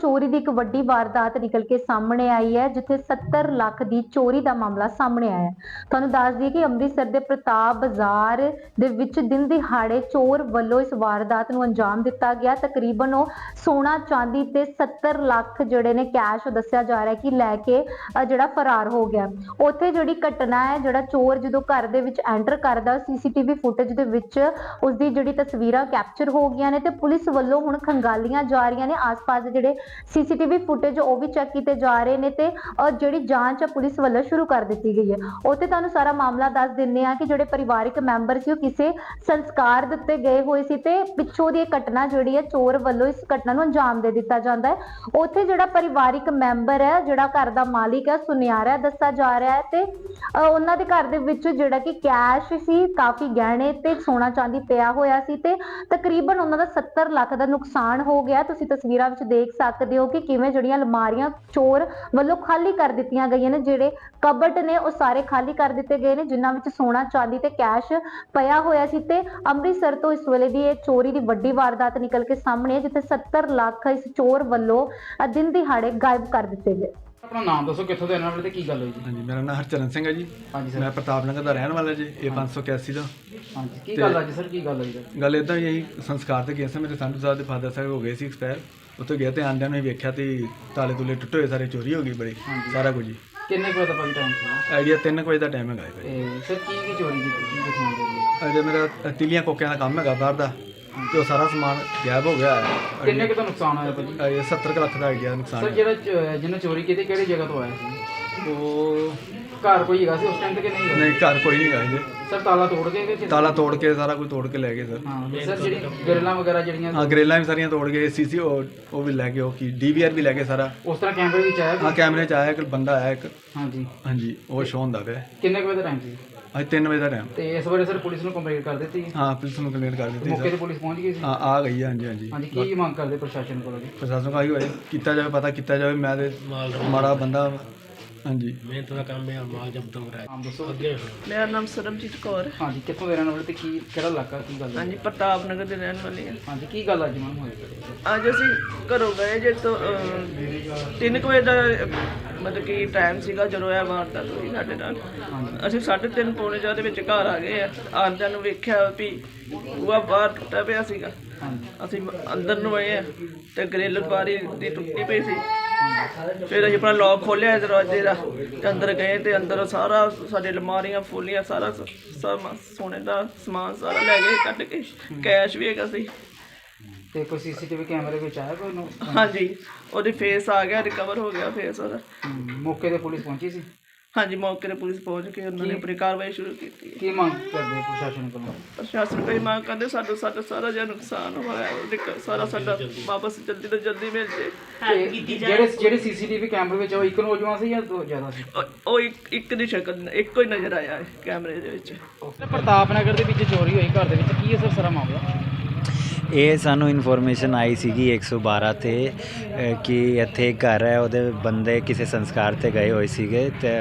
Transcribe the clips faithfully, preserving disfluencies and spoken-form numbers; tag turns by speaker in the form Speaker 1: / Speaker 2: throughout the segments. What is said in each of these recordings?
Speaker 1: चोरी की एक वड्डी वारदात निकल के सामने आई है, जिथे सत्तर लाख की चोरी का मामला सामने आया है। तुहानूं दस दईए कि अमृतसर के प्रताप बाजार दे विच दिन दिहाड़े चोर वल्लों इस वारदात नूं अंजाम दिता गया। तकरीबन वो सोना चांदी ते सत्तर लाख जिहड़े ने कैश दस्सिया जा रहा है कि लैके जिहड़ा फरार हो गया। उत्थे जिहड़ी घटना है, जिहड़ा चोर जदों घर दे विच एंटर करदा, सीसीटीवी फुटेज दे विच उसदी जिहड़ी तस्वीरां कैप्चर हो गईयां ने ते पुलिस वल्लों हुण खंगालियां जा रहीआं ने। आस पास जिहड़े सीसीटीवी फुटेज वो भी चैक किए जा रहे हैं ते जिहड़ी जांच पुलिस वल्लों शुरू कर दी गई है। उत्थे तुहानूं सारा मामला दस दिंदे आ कि जिहड़े परिवारिक मैंबर सी किसी संस्कार दे उत्ते गए हुए सी ते पिछों दी घटना जिहड़ी है चोर वल्लों इस घटना नूं अंजाम दे दिता जांदा है। उत्थे जिहड़ा परिवारिक मैंबर है, जिहड़ा घर दा मालिक है, सुनियारा दस्सा जा रहा है ते उन्हां दे घर दे विच जिहड़ा कि कैश सी, काफ़ी गहने ते सोना चांदी पिया होया सी ते तकरीबन उन्हां दा सत्तर लाख दा नुकसान हो गया। तुसीं तस्वीरां विच देख सकते हो कि किवें जिहड़ियां अलमारियां चोर वल्लों खाली कर दित्तियां गईयां ने। जिहड़े कबट ने वो सारे खाली कर दिते गए ने, जिन्हां विच सोना चांदी ते कैश पिया होया सी ते अमृतसर तो इस वेले दी चोरी की वड्डी वारदात निकल के सामने है, जिथे सत्तर लाख इस चोर वल्लों दिन दिहाड़े गायब कर दिते गए।
Speaker 2: अपना नाम दसो, कित्थों दे रहने वाले ते की गल होई जी?
Speaker 3: हाँ जी, मेरा नाम हरचरण सिंह है जी।
Speaker 2: हाँ जी सर।
Speaker 3: मैं प्रताप नगर का रहने वाला जी। ये पाँच सौ इक्यासी का
Speaker 2: हाँ जी, की गल अज सर, की गल होई सर?
Speaker 3: गल इदा यही संस्कार से गया था। मेरे संधू साहब के फादर साहब हो गए सी एक्सपायर। उत्थे गए तो आंदिया ने वेख्या तो ताले तुले टुटे हुए, सारे चोरी हो गई बड़ी, सारा कुछ जी।
Speaker 2: किन्ने बजे का टाइम सी?
Speaker 3: आइडिया तीन बजे का टाइम है भाई।
Speaker 2: ते सर की की चोरी की की दिखाउण दे?
Speaker 3: अजे मेरा तिलियां कोकियां का काम है बाहर का, तो सारा समान गायब हो गया है।
Speaker 2: किन्ने क दा नुकसान होया भाजी?
Speaker 3: ये सत्तर लाख का आइडिया नुकसान
Speaker 2: सर
Speaker 3: है।
Speaker 2: जेड़ा जिन्हें चोरी की किहड़ी जगह तो आया सी?
Speaker 3: वो
Speaker 2: घर कोई हैगा सी उस टाइम ते कि नहीं हैगा?
Speaker 3: नहीं, घर कोई नहीं गए जी।
Speaker 2: सर ताला तोड़ के कि
Speaker 3: ताला तोड़ के सारा कुछ तोड़ के ले गए सर।
Speaker 2: हाँ ते सर जेड़ी ग्रिल्लां वगैरह जेड़ियां
Speaker 3: हाँ, ग्रिल्लां भी सारियां तोड़ गए, सी सी वो भी लै गए, वो डी वी आर भी लै गए सारा।
Speaker 2: उस तरह कैमरे विच आया?
Speaker 3: हाँ, कैमरे च आया एक बंदा आया एक।
Speaker 2: हाँ जी।
Speaker 3: हाँ जी, वो शो होंदा पिया।
Speaker 2: किन्ने बजे दा टाइम सी?
Speaker 3: अज तीन बजे का टाइम।
Speaker 2: ते इस बारे सर पुलिस नूं कंप्लेंट कर दित्ती?
Speaker 3: हाँ, पुलिस ने कंप्लेंट कर दी
Speaker 2: मौके
Speaker 3: सर।
Speaker 2: ते पुलिस पहुंच गई सी?
Speaker 3: हाँ, आ गई है। हाँ जी, हाँ जी।
Speaker 2: हाँ जी, की मांग करदे प्रशासन कोलों जी?
Speaker 3: प्रशासन का ही किया जाए, पता किया जाए। मैं तो माड़ा बंदा। हाँ जी,
Speaker 4: मेहनत का काम है, माल जब्त हो रहा है।
Speaker 2: नाम दसो।
Speaker 5: मेरा नाम सरबजीत कौर है।
Speaker 2: हाँ जी, कित्थों दे रहने वाले ते की किहड़ा इलाका, की गल?
Speaker 5: हाँ जी, प्रताप नगर के रहने वाले हैं।
Speaker 2: हाँ जी, की गल अज मैम होई?
Speaker 5: ਅੱਜ ਅਸੀਂ ਘਰੋਂ ਗਏ ਜੇ ਤੋਂ ਤਿੰਨ ਕੁ ਵਜੇ ਦਾ ਮਤਲਬ ਕਿ ਟਾਈਮ ਸੀਗਾ ਜਦੋਂ ਇਹ ਵਾਰਦਾਤ ਹੋਈ ਸਾਡੇ ਨਾਲ। ਅਸੀਂ ਸਾਢੇ ਤਿੰਨ ਪੌਣੇ ਚਾਰ ਦੇ ਵਿੱਚ ਘਰ ਆ ਗਏ ਆ। ਆਉਂਦਿਆਂ ਨੂੰ ਵੇਖਿਆ ਵੀ ਬੂਹਾ ਬਾਹਰ ਟੁੱਟਾ ਪਿਆ ਸੀਗਾ। ਅਸੀਂ ਅੰਦਰ ਨੂੰ ਆਏ ਆ ਤੇ ਗ੍ਰਿਲ ਬਾਰੀ ਦੀ ਟੁੱਟੀ ਪਈ ਸੀ। ਫਿਰ ਅਸੀਂ ਆਪਣਾ ਲੌਕ ਖੋਲ੍ਹਿਆ ਦਰਵਾਜ਼ੇ ਦਾ ਤੇ ਅੰਦਰ ਗਏ ਤੇ ਅੰਦਰ ਸਾਰਾ ਸਾਡੇ ਅਲਮਾਰੀਆਂ ਫੋਲੀਆਂ, ਸਾਰਾ ਸਭ ਸੋਨੇ ਦਾ ਸਮਾਨ ਸਾਰਾ ਲੈ ਗਏ ਕੱਢ ਕੇ। ਕੈਸ਼ ਵੀ ਹੈਗਾ ਸੀ।
Speaker 2: ਤੇ ਕੋਈ ਸੀਸੀਟੀਵੀ ਕੈਮਰੇ ਵਿੱਚ ਆਇਆ ਕੋਈ ਨੂੰ?
Speaker 5: हाँ जी, ਉਹਦੀ ਫੇਸ ਆ ਗਿਆ, ਰਿਕਵਰ ਹੋ ਗਿਆ ਫੇਸ ਉਹਦਾ।
Speaker 2: ਮੌਕੇ ਤੇ ਪੁਲਿਸ ਪਹੁੰਚੀ ਸੀ?
Speaker 5: हाँ जी, मौके पर पुलिस पहुंच के उन्होंने अपनी कार्रवाई शुरू की थी।
Speaker 2: ਕੀ ਮੰਗ ਕਰਦੇ ਪ੍ਰਸ਼ਾਸਨ ਕੋਲੋਂ?
Speaker 5: प्रशासन कोई मांग करते साडा साडा सारा जो नुकसान होया ਉਹਦੇ ਸਾਰਾ ਸਾਡਾ ਵਾਪਸ ਜਲਦੀ ਤੋਂ ਜਲਦੀ ਮਿਲ ਜੇ।
Speaker 2: ਤੇ ਜਿਹੜੇ ਜਿਹੜੇ ਸੀਸੀਟੀਵੀ ਕੈਮਰੇ ਵਿੱਚ ਉਹ ਇੱਕ ਨੌਜਵਾਨ ਸੀ ਜਾਂ ਦੋ ਜ਼ਿਆਦਾ ਸੀ?
Speaker 5: ਉਹ ਉਹ ਇੱਕ ਇੱਕ ਦੀ ਸ਼ਕਲ ਇੱਕੋ ਹੀ ਨਜ਼ਰ ਆਇਆ ਹੈ ਕੈਮਰੇ ਦੇ ਵਿੱਚ।
Speaker 2: ਪ੍ਰਤਾਪ ਨਗਰ ਦੇ ਵਿੱਚ ਚੋਰੀ ਹੋਈ ਘਰ ਦੇ ਵਿੱਚ, ਕੀ ਅਸਰ ਸਾਰਾ ਮਾਮਲਾ?
Speaker 6: ਇਹ ਸਾਨੂੰ ਇਨਫੋਰਮੇਸ਼ਨ ਆਈ ਸੀਗੀ ਇੱਕ ਸੌ ਬਾਰਾਂ 'ਤੇ ਕਿ ਇੱਥੇ ਇੱਕ ਘਰ ਹੈ, ਉਹਦੇ ਬੰਦੇ ਕਿਸੇ ਸੰਸਕਾਰ 'ਤੇ ਗਏ ਹੋਏ ਸੀਗੇ ਅਤੇ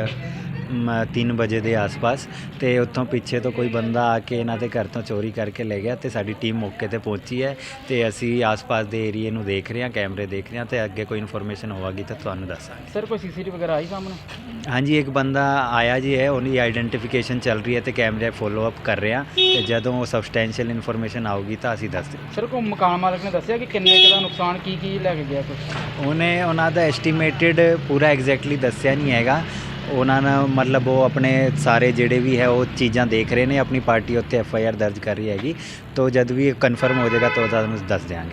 Speaker 6: ਤਿੰਨ ਵਜੇ ਦੇ ਆਸ-ਪਾਸ, ਅਤੇ ਉੱਥੋਂ ਪਿੱਛੇ ਤੋਂ ਕੋਈ ਬੰਦਾ ਆ ਕੇ ਇਹਨਾਂ ਦੇ ਘਰ ਤੋਂ ਚੋਰੀ ਕਰਕੇ ਲੈ ਗਿਆ। ਅਤੇ ਸਾਡੀ ਟੀਮ ਮੌਕੇ 'ਤੇ ਪਹੁੰਚੀ ਹੈ ਅਤੇ ਅਸੀਂ ਆਸ-ਪਾਸ ਦੇ ਏਰੀਏ ਨੂੰ ਦੇਖ ਰਹੇ ਹਾਂ, ਕੈਮਰੇ ਦੇਖ ਰਹੇ ਹਾਂ, ਅਤੇ ਅੱਗੇ ਕੋਈ ਇਨਫੋਰਮੇਸ਼ਨ ਹੋਵੇਗੀ ਤਾਂ ਤੁਹਾਨੂੰ ਦੱਸਾਂਗੇ।
Speaker 2: ਸਰ ਕੋਈ ਸੀਸੀਟੀਵੀ ਵਗੈਰਾ ਆਈ ਸਾਹਮਣੇ?
Speaker 6: ਹਾਂਜੀ, ਇੱਕ ਬੰਦਾ ਆਇਆ ਜੀ ਹੈ, ਉਹਦੀ ਆਈਡੈਂਟੀਫਿਕੇਸ਼ਨ ਚੱਲ ਰਹੀ ਹੈ ਅਤੇ ਕੈਮਰੇ ਫੋਲੋ ਅਪ ਕਰ ਰਹੇ ਹਾਂ, ਅਤੇ ਜਦੋਂ ਉਹ ਸਬਸਟੈਂਸ਼ੀਅਲ ਇਨਫੋਰਮੇਸ਼ਨ ਆਊਗੀ ਤਾਂ ਅਸੀਂ ਦੱਸ ਦਿਆਂਗੇ।
Speaker 2: ਸਰ ਕੋਈ ਮਕਾਨ ਮਾਲਕ ਨੇ ਦੱਸਿਆ ਕਿ ਕਿੰਨੇ ਕੁ ਦਾ ਨੁਕਸਾਨ, ਕੀ ਕੀ ਲੈ ਕੇ ਗਿਆ ਕੁਛ?
Speaker 6: ਉਹਨੇ ਉਹਨਾਂ ਦਾ ਐਸਟੀਮੇਟਿਡ ਪੂਰਾ ਐਗਜ਼ੈਕਟਲੀ ਦੱਸਿਆ ਨਹੀਂ ਹੈਗਾ। ਉਹਨਾਂ ਨੇ ਮਤਲਬ ਉਹ ਆਪਣੇ ਸਾਰੇ ਜਿਹੜੇ ਵੀ ਹੈ ਉਹ ਚੀਜ਼ਾਂ ਦੇਖ ਰਹੇ ਨੇ, ਆਪਣੀ ਪਾਰਟੀ ਉੱਤੇ ਐਫ ਆਈ ਆਰ ਦਰਜ ਕਰ ਰਹੀ ਹੈਗੀ, ਤਾਂ ਜਦ ਵੀ ਕਨਫਰਮ ਹੋ ਜਾਏਗਾ ਤਾਂ ਤੁਹਾਨੂੰ ਦੱਸ ਦਿਆਂਗੇ।